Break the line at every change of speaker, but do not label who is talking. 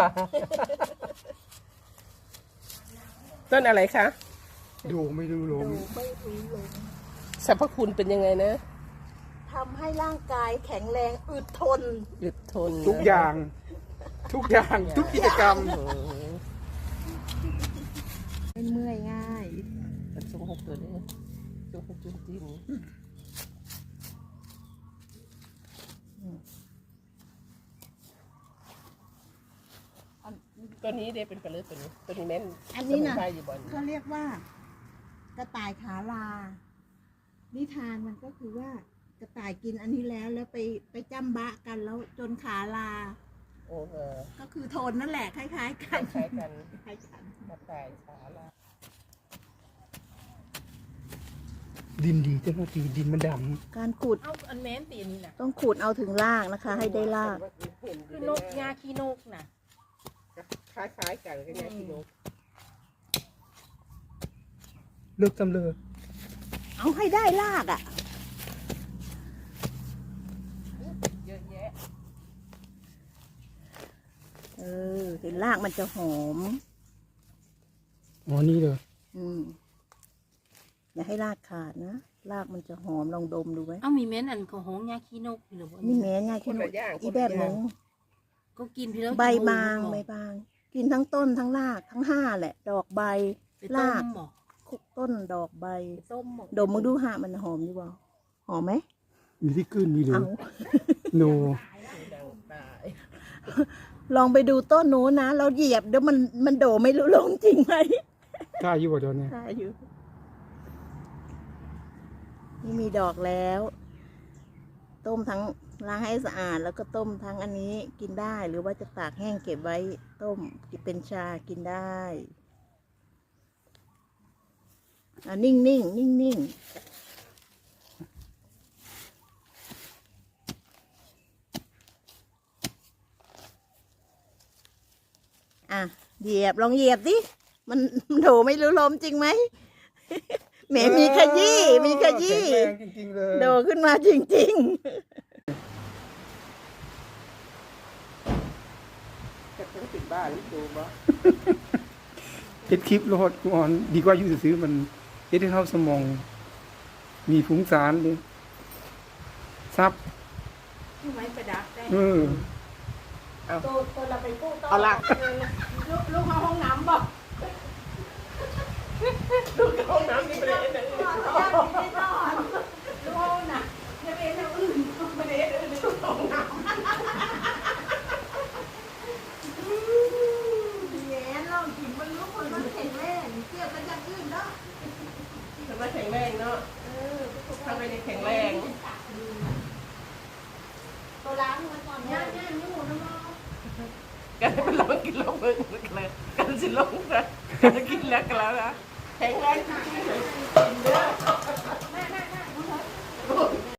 ต้นอะไรคะ
ดูไม่ดูลม
สรรพคุณเป็นยังไงนะ
ทำให้ร่างกายแข็งแรงอึดทน
ทุกอย่างทุกกิจกรรม
ไม่เมื่อยง่าย
เป็นทรงหกตัวนี้ทรงหกจุนจีนตัวนี้ได้เป็นปลาเลือดตัวนี้แม่น
อันนี้นะ
อยู่บ่อน
เขาเรียกว่ากระต่ายขาลานิทานมันก็คือว่ากระต่ายกินอันนี้แล้วไปจ้ำบะกันแล้วจนขาลาก็คือโทนนั่นแหละคล้ายๆกัน
คล้ายกันกระต่ายขาลา
ดินดีเจ้าหน้าที่ดินมันด
ำการขุด
เอาอันแม้นตีอันนี้นะ
ต้องขุดเอาถึงรากนะคะให้ได้ราก
คือนกยาขี้นกนะ
คล้ายกันก็ยาขี้นก
เลิกจำเลย
เอาให้ได้รากอ่ะ
เยอะแยะ
เห็นรากมันจะหอม
อ๋อนี่เลย
อย่าให้รากขาดนะรากมันจะหอมลองดมดูไหม
มีแม้นอันของหงยาขี้นกหรือว่า
มีแม้นยาขี้นกอีแบบนึง
ก็กินพี่แล้ว
ใบบางกินทั้งต้นทั้งรากทั้ง5แหละดอกใบรากคุกต้นดอกใบดมมาดูหามันหอมอยู่บ่หอมไหม
มีที่ขึ้นมีเลยโน
ลองไปดูต้นโน้นนะเราเหยียบเดี๋ยวมันโดไม่รู้ลงจริงไหม
กล้าอยู่บ่ตอนนี้
กล้าอยู่นี่มีดอกแล้วต้มทั้งล้างให้สะอาดแล้วก็ต้มทั้งอันนี้กินได้หรือว่าจะตากแห้งเก็บไว้ต้มเป็นชากินได้นิ่งเหยียบลองเหยียบดิมันโถไม่รู้ลมจริงไหมแหมมีขยี้โดขึ้นมาจริง
จะต้องติดบ้านหรือดูบ่
เฮ็ดคลิปโลดก่อนดีกว่าอยู่ซื้อมันเฮ็ดให้เข้าสมองมีฟุ้งซ่านเลยซับ
ไม้ประดับได้ตัวเราไปกู้ต่อ
เอาละ
ลูกเข้าห้องน้ำบ่
ลูกเข้าห้องน้ำนี่ไปเลยนะ
ลูกห้องน่ะจะเป็นทางอื่นไม่ได้ลูกห้องน้ำ
แย่ลองกินมันรู้คนมันแข็งแรงเทียบกันอย่างอื่นเนาะ
ทำไมแข็งแรงเนาะทำไมแข็งแรง
ตัวล้างมันก่อนย่างนี่หมูน้ำมัน
กันเป็นลองกินลงเบิ่งเลยกันสิลงนะกันกินแล้วกันแล้วนะแข็งแรงจริงๆเลย